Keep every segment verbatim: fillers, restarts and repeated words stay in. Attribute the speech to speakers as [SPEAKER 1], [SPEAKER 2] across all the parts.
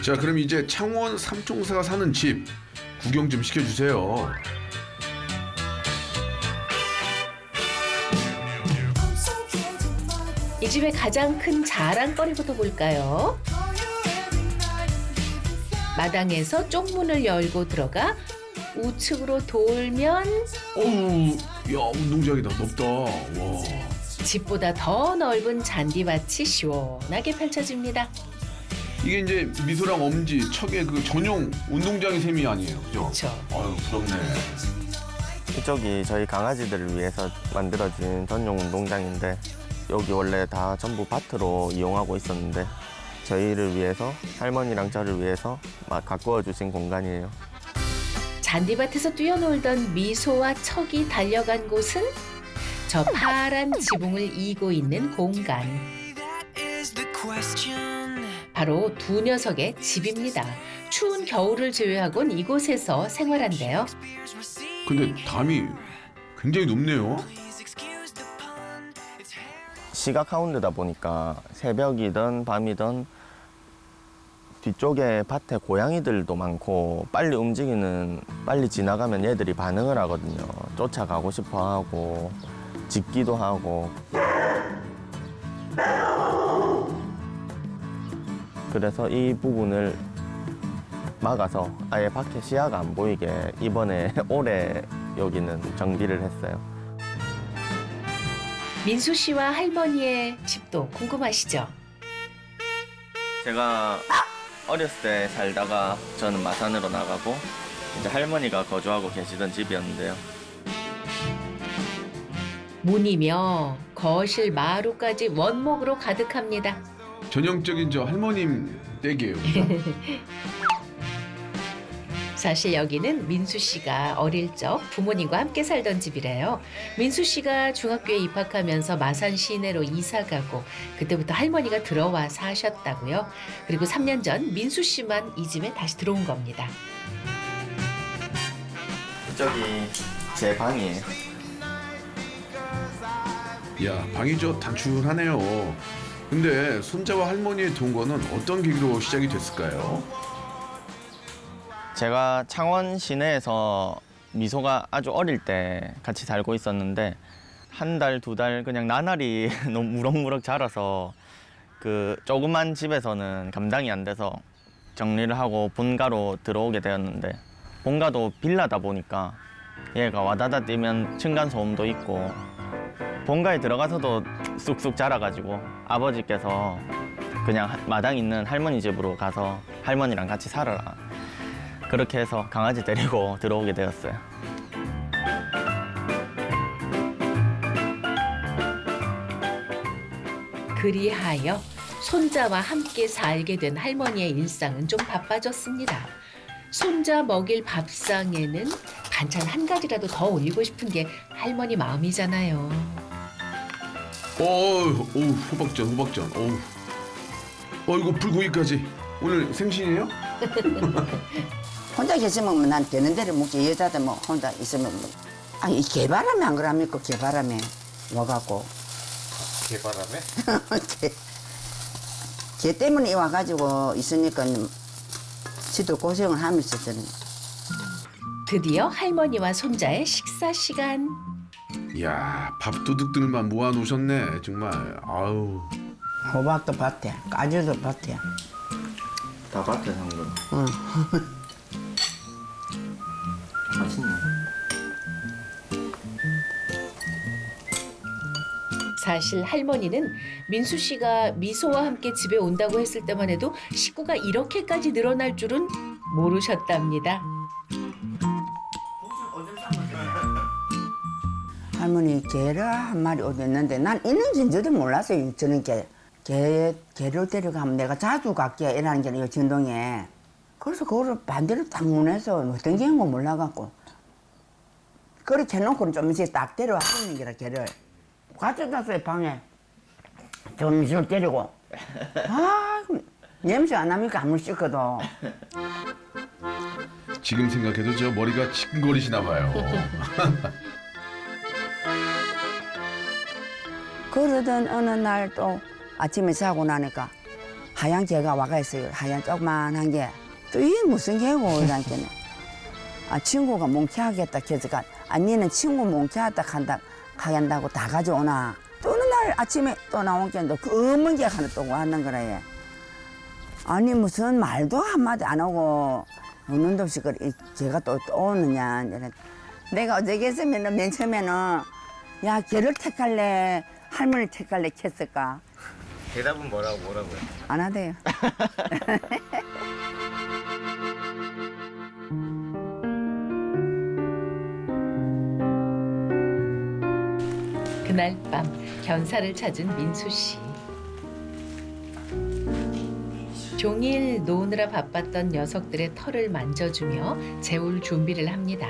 [SPEAKER 1] 자, 그럼 이제 창원 삼총사가 사는 집 구경 좀 시켜주세요.
[SPEAKER 2] 이 집의 가장 큰 자랑거리부터 볼까요? 마당에서 쪽문을 열고 들어가 우측으로 돌면
[SPEAKER 1] 어우, 야, 운동장이다. 넓다. 와.
[SPEAKER 2] 집보다 더 넓은 잔디밭이 시원하게 펼쳐집니다.
[SPEAKER 1] 이게 이제 미소랑 엄지, 척의 그 전용 운동장의 셈이 아니에요. 그죠?
[SPEAKER 2] 그렇죠.
[SPEAKER 1] 아유, 부럽네.
[SPEAKER 3] 이쪽이 저희 강아지들을 위해서 만들어진 전용 운동장인데 여기 원래 다 전부 밭으로 이용하고 있었는데 저희를 위해서 할머니랑 저를 위해서 막 가꾸어 주신 공간이에요.
[SPEAKER 2] 잔디밭에서 뛰어놀던 미소와 척이 달려간 곳은 저 파란 지붕을 이고 있는 공간. 바로 두 녀석의 집입니다. 추운 겨울을 제외하곤 이곳에서 생활한대요.
[SPEAKER 1] 근데 담이 굉장히 높네요.
[SPEAKER 3] 시각 하운드다 보니까 새벽이든 밤이든 뒤쪽에 밭에 고양이들도 많고 빨리 움직이는, 빨리 지나가면 얘들이 반응을 하거든요. 쫓아가고 싶어 하고 짖기도 하고. 그래서 이 부분을 막아서 아예 밖에 시야가 안 보이게 이번에 올해 여기는 정비를 했어요.
[SPEAKER 2] 민수 씨와 할머니의 집도 궁금하시죠?
[SPEAKER 3] 제가 어렸을 때 살다가 저는 마산으로 나가고 이제 할머니가 거주하고 계시던 집이었는데요.
[SPEAKER 2] 문이며 거실 마루까지 원목으로 가득합니다.
[SPEAKER 1] 전형적인 저 할머님 댁이에요. 그죠?
[SPEAKER 2] 사실 여기는 민수 씨가 어릴 적 부모님과 함께 살던 집이래요. 민수 씨가 중학교에 입학하면서 마산 시내로 이사 가고 그때부터 할머니가 들어와 사셨다고요. 그리고 삼 년 전 민수 씨만 이 집에 다시 들어온 겁니다.
[SPEAKER 3] 이쪽이 제 방이에요.
[SPEAKER 1] 야, 방이 저 단출하네요. 근데 손자와 할머니의 동거는 어떤 계기로 시작이 됐을까요?
[SPEAKER 3] 제가 창원 시내에서 미소가 아주 어릴 때 같이 살고 있었는데 한 달, 두 달 그냥 나날이 너무 무럭무럭 자라서 그 조그만 집에서는 감당이 안 돼서 정리를 하고 본가로 들어오게 되었는데 본가도 빌라다 보니까 얘가 와다다 뛰면 층간소음도 있고 본가에 들어가서도 쑥쑥 자라가지고 아버지께서 그냥 마당 있는 할머니 집으로 가서 할머니랑 같이 살아라. 그렇게 해서 강아지 데리고 들어오게 되었어요.
[SPEAKER 2] 그리하여 손자와 함께 살게 된 할머니의 일상은 좀 바빠졌습니다. 손자 먹일 밥상에는 반찬 한 가지라도 더 올리고 싶은 게 할머니 마음이잖아요.
[SPEAKER 1] 어우, 어우, 호박전, 호박전. 어우. 어, 이거 불고기까지. 오늘 생신이에요?
[SPEAKER 4] 혼자 계시면 난 되는 대로 먹지. 여자들 뭐 혼자 있으면 뭐. 아니 이 개바람에 안 그럽니까? 개바람에 와갖고
[SPEAKER 5] 개바람에?
[SPEAKER 4] 개, 개 때문에 와가지고 있으니까 지도 고생을 하면서 저는
[SPEAKER 2] 드디어 할머니와 손자의 식사 시간.
[SPEAKER 1] 이야, 밥도둑들만 모아놓으셨네. 정말. 아우.
[SPEAKER 4] 호박도 밭에 까지도 밭에.
[SPEAKER 3] 다 밭에 산 거.
[SPEAKER 4] 응.
[SPEAKER 3] 맛있네.
[SPEAKER 2] 사실 할머니는 민수 씨가 미소와 함께 집에 온다고 했을 때만 해도 식구가 이렇게까지 늘어날 줄은 모르셨답니다.
[SPEAKER 4] 할머니 개를 한 마리 얻었는데 난 있는지는 저도 몰랐어요. 저는 개, 개, 개를 데려가면 내가 자주 갈게 이라는 게 이 진동에. 그래서 그거를 반대로 딱 문해서 어떤 개인 거 몰라갖고 그렇게 해놓고는 좀 이제 딱 데려와 버리는 게라 개를 가져갔어요 방에. 좀 이슬 때리고. 아, 냄새 안 나니까 안 씻거든.
[SPEAKER 1] 지금 생각해도 저 머리가 지끈거리시나 봐요.
[SPEAKER 4] 그러던 어느 날 또 아침에 자고 나니까 하얀 개가 와가 있어요. 하얀 조그만한 게. 또 이게 무슨 개고 이러니까는. 아 친구가 몽키하겠다 해서가 아니는 친구 몽키하다 간다 가겠다고 다 가져오나. 또 어느 날 아침에 또 나온 게또 검은 개 하나 또 왔는 거라 얘. 아니 무슨 말도 한마디 안 하고 오는 듯이 그 걔가 또, 또 오느냐. 내가 어저께 했으면은 맨 처음에는 야 걔를 택할래 할머니 택할래 했을까.
[SPEAKER 3] 대답은 뭐라고 뭐라고요?
[SPEAKER 4] 안 하대요.
[SPEAKER 2] 그날 밤 견사를 찾은 민수 씨. 종일 노느라 바빴던 녀석들의 털을 만져주며 재울 준비를 합니다.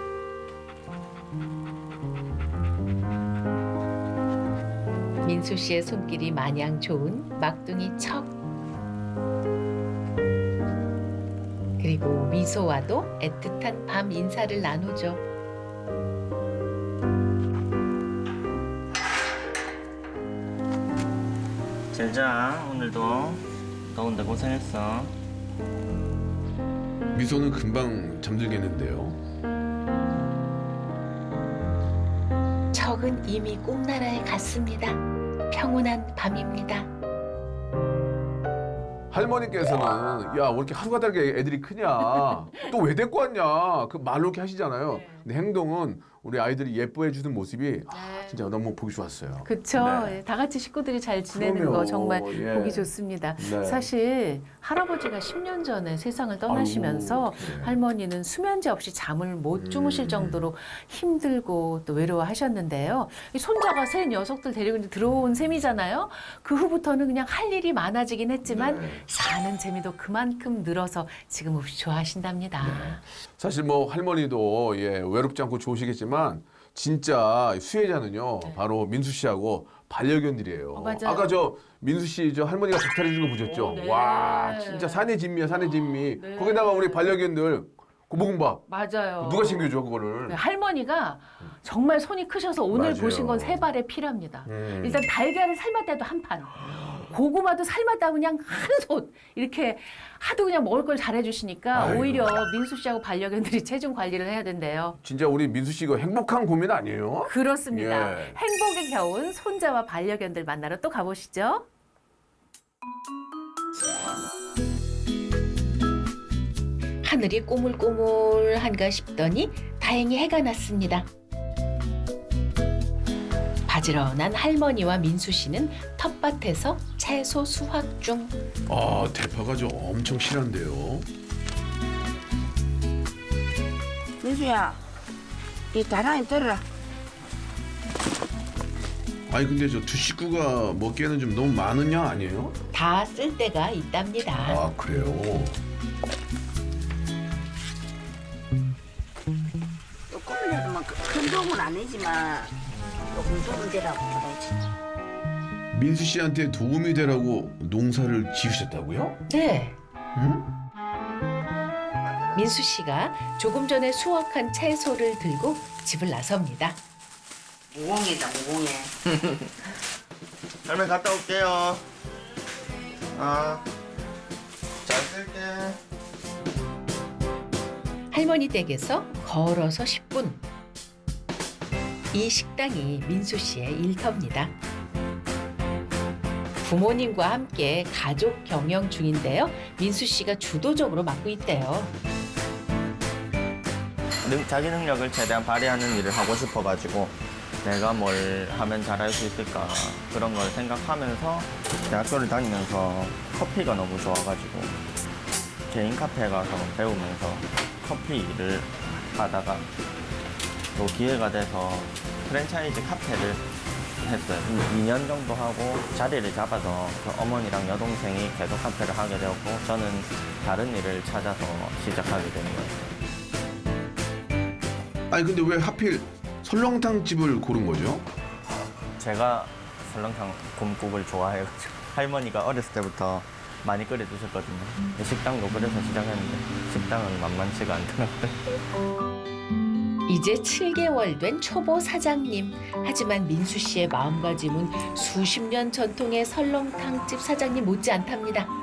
[SPEAKER 2] 민수 씨의 손길이 마냥 좋은 막둥이 척. 그리고 미소와도 애틋한 밤 인사를 나누죠.
[SPEAKER 3] 잘 자, 오늘도 더운데 고생했어.
[SPEAKER 1] 미소는 금방 잠들겠는데요.
[SPEAKER 2] 척은 이미 꿈나라에 갔습니다. 평온한 밤입니다.
[SPEAKER 1] 할머니께서는 야 왜 이렇게 하루가 다르게 애들이 크냐 또 왜 데리고 왔냐 그 말로 이렇게 하시잖아요. 근데 행동은 우리 아이들이 예뻐해 주는 모습이 아, 진짜 너무 보기 좋았어요.
[SPEAKER 5] 그렇죠.
[SPEAKER 1] 네.
[SPEAKER 5] 다 같이 식구들이 잘 지내는
[SPEAKER 1] 그럼요.
[SPEAKER 5] 거 정말
[SPEAKER 1] 예.
[SPEAKER 5] 보기 좋습니다.
[SPEAKER 1] 네.
[SPEAKER 5] 사실 할아버지가 십 년 전에 세상을 떠나시면서
[SPEAKER 1] 아이고, 네.
[SPEAKER 5] 할머니는 수면제 없이 잠을 못 주무실
[SPEAKER 1] 음.
[SPEAKER 5] 정도로 힘들고 또 외로워하셨는데요. 이 손자가 새 녀석들 데리고 이제 들어온 셈이잖아요. 그 후부터는 그냥 할 일이 많아지긴 했지만
[SPEAKER 1] 네.
[SPEAKER 5] 사는 재미도 그만큼 늘어서 지금 없이 좋아하신답니다.
[SPEAKER 1] 사실 뭐 할머니도 예, 외롭지 않고 좋으시겠지만 진짜 수혜자는요 바로 민수 씨하고 반려견들이에요.
[SPEAKER 5] 어, 맞아요.
[SPEAKER 1] 아까 저 민수 씨 저 할머니가 박탈해 준 거 보셨죠?
[SPEAKER 5] 어, 네.
[SPEAKER 1] 와 진짜 산의 진미야 산의 진미.
[SPEAKER 5] 네.
[SPEAKER 1] 거기다가 우리 반려견들 고볶음밥
[SPEAKER 5] 맞아요.
[SPEAKER 1] 누가 챙겨줘 그거를?
[SPEAKER 5] 네, 할머니가 정말 손이 크셔서 오늘
[SPEAKER 1] 맞아요.
[SPEAKER 5] 보신 건 세 발에 필요합니다.
[SPEAKER 1] 음.
[SPEAKER 5] 일단 달걀을 삶을 때도 한 판, 고구마도 삶았다 그냥 한 손 이렇게 하도 그냥 먹을 걸 잘해주시니까
[SPEAKER 1] 아이고.
[SPEAKER 5] 오히려 민수 씨하고 반려견들이 체중 관리를 해야 된대요.
[SPEAKER 1] 진짜 우리 민수 씨가 행복한 고민 아니에요?
[SPEAKER 5] 그렇습니다.
[SPEAKER 1] 예.
[SPEAKER 5] 행복에 겨운 손자와 반려견들 만나러 또 가보시죠.
[SPEAKER 2] 하늘이 꼬물꼬물한가 싶더니 다행히 해가 났습니다. 바지런한 할머니와 민수 씨는 텃밭에서 채소 수확 중.
[SPEAKER 1] 아 대파가 좀 엄청 실한데요.
[SPEAKER 4] 민수야, 이 다랑이 들어라.
[SPEAKER 1] 아니 근데 저 두 식구가 먹기에는 좀 너무 많은 양 아니에요?
[SPEAKER 2] 다 쓸 때가 있답니다.
[SPEAKER 1] 아 그래요?
[SPEAKER 4] 조금이라도 뭐큰 도움은 아니지만 조금 도움 되라고 그러지.
[SPEAKER 1] 민수 씨한테 도움이 되라고 농사를 지으셨다고요?
[SPEAKER 2] 네.
[SPEAKER 1] 응?
[SPEAKER 2] 민수 씨가 조금 전에 수확한 채소를 들고 집을 나섭니다.
[SPEAKER 4] 무공이다 무공해.
[SPEAKER 3] 할머니 갔다 올게요. 아, 잘 쓸게.
[SPEAKER 2] 할머니 댁에서 걸어서 십 분. 이 식당이 민수 씨의 일터입니다. 부모님과 함께 가족 경영 중인데요. 민수 씨가 주도적으로 맡고 있대요.
[SPEAKER 3] 능, 자기 능력을 최대한 발휘하는 일을 하고 싶어가지고 내가 뭘 하면 잘할 수 있을까 그런 걸 생각하면서 대학교를 다니면서 커피가 너무 좋아가지고 개인 카페 가서 배우면서 커피 일을 하다가 또 기회가 돼서 프랜차이즈 카페를 했어요. 이 년 정도 하고 자리를 잡아서 그 어머니랑 여동생이 계속 카페를 하게 되었고 저는 다른 일을 찾아서 시작하게 된 거예요.
[SPEAKER 1] 아니 근데 왜 하필 설렁탕 집을 고른 거죠?
[SPEAKER 3] 제가 설렁탕 곰국을 좋아해가지고 할머니가 어렸을 때부터 많이 끓여주셨거든요. 식당도 그래서 시작했는데 식당은 만만치가 않더라고요.
[SPEAKER 2] 이제 칠 개월 된 초보 사장님. 하지만 민수 씨의 마음가짐은 수십 년 전통의 설렁탕집 사장님 못지않답니다.